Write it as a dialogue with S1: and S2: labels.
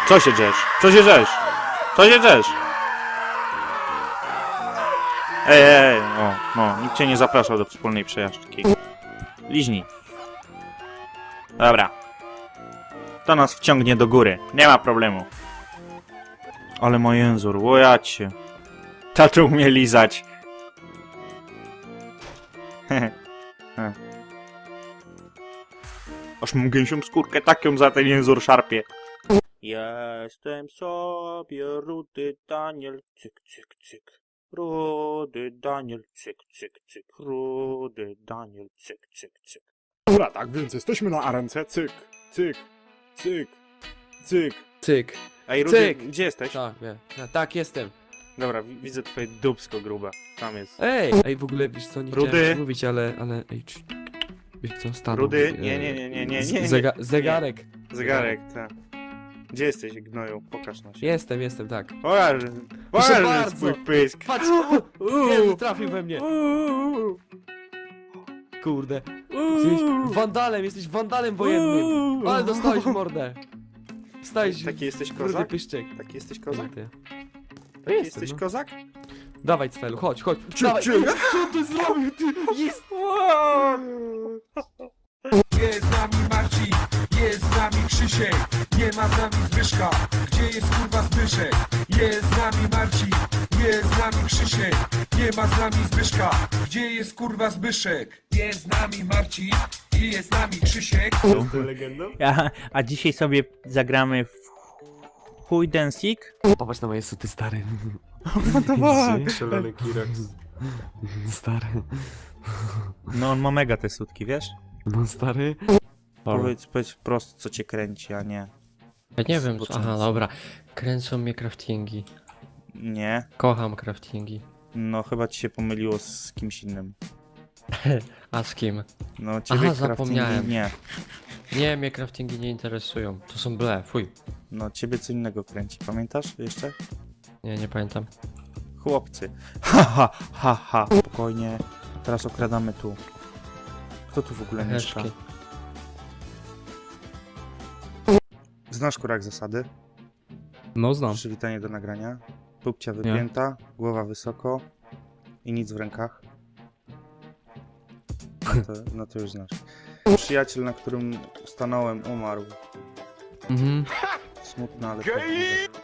S1: Co się drzesz? Co się drzesz? Co się drzesz? Ej, no, nikt cię nie zapraszał do wspólnej przejażdżki. Liźnij. Dobra. To nas wciągnie do góry. Nie ma problemu. Ale ma język, łojacie. Tato umie lizać. Aż mam gęsią skórkę, tak ją za ten język szarpie. Jestem sobie rudy Daniel, cyk, cyk, cyk. Rudy Daniel, cyk, cyk, cyk. Rudy Daniel, cyk, cyk, cyk.
S2: Dobra, tak więc jesteśmy na arence. Cyk, cyk, cyk, cyk.
S3: Cyk.
S1: Ej, Rudy,
S3: Cyk.
S1: gdzie jesteś?
S3: Tak, wiem. Tak, jestem.
S1: Dobra, widzę twoje dupsko grube. Tam jest.
S3: Ej, w ogóle wiesz co, nie
S1: Rudy.
S3: chciałem ci mówić, ale, ej, wiesz co, stanął.
S1: Rudy? Nie.
S3: Zegarek.
S1: Zegarek, tak. Gdzie jesteś, gnoju? Pokaż na się.
S3: Jestem, tak.
S1: Pokaż
S3: bardzo.
S1: swój pysk.
S3: Patrz! Jezu, trafił we mnie. Kurde. Jesteś wandalem wojennym. Ale dostałeś w mordę. Stałeś
S1: Taki jesteś
S3: rudy
S1: kozak?
S3: pyszczek.
S1: Taki jesteś kozak?
S3: Ty.
S1: Taki
S3: Jestem,
S1: jesteś
S3: no.
S1: kozak?
S3: Dawaj, Cfelu, chodź. Dawaj.
S2: Ciu.
S3: Co ty zrobił, ty? Jest!
S4: Jest z nami Marcin, jest z nami Krzysiek, nie ma z nami Zbyszka, gdzie jest kurwa Zbyszek? Jest z nami Marcin, jest z nami Krzysiek, nie ma z nami Zbyszka, gdzie jest kurwa Zbyszek? Jest z nami Marcin i jest z nami Krzysiek.
S1: A dzisiaj sobie zagramy w Hide and Seek?
S3: Popatrz na moje suty, stary.
S2: Szalony Kirax.
S3: Stary.
S1: No on ma mega te sutki, wiesz?
S3: No, stary.
S1: Powiedz prosto, co cię kręci, a nie.
S5: Ja nie wiem, co...
S1: Zboczeńcy.
S5: Aha, dobra. Kręcą mnie craftingi.
S1: Nie.
S5: Kocham craftingi.
S1: No chyba ci się pomyliło z kimś innym.
S5: A z kim?
S1: No ciebie
S5: Aha,
S1: craftingi
S5: zapomniałem.
S1: nie.
S5: Nie, mnie craftingi nie interesują. To są ble, fuj.
S1: No ciebie co innego kręci. Pamiętasz jeszcze?
S5: Nie, nie pamiętam.
S1: Chłopcy. Ha. Spokojnie. Teraz okradamy tu. Kto tu w ogóle mieszka?
S5: Heszki.
S1: Znasz kurak zasady?
S6: No znam.
S1: Przywitanie do nagrania. Pupcia wypięta, głowa wysoko i nic w rękach. No to już znasz. Przyjaciel, na którym stanąłem, umarł.
S6: Mhm.
S1: Smutno, ale prawdziwe.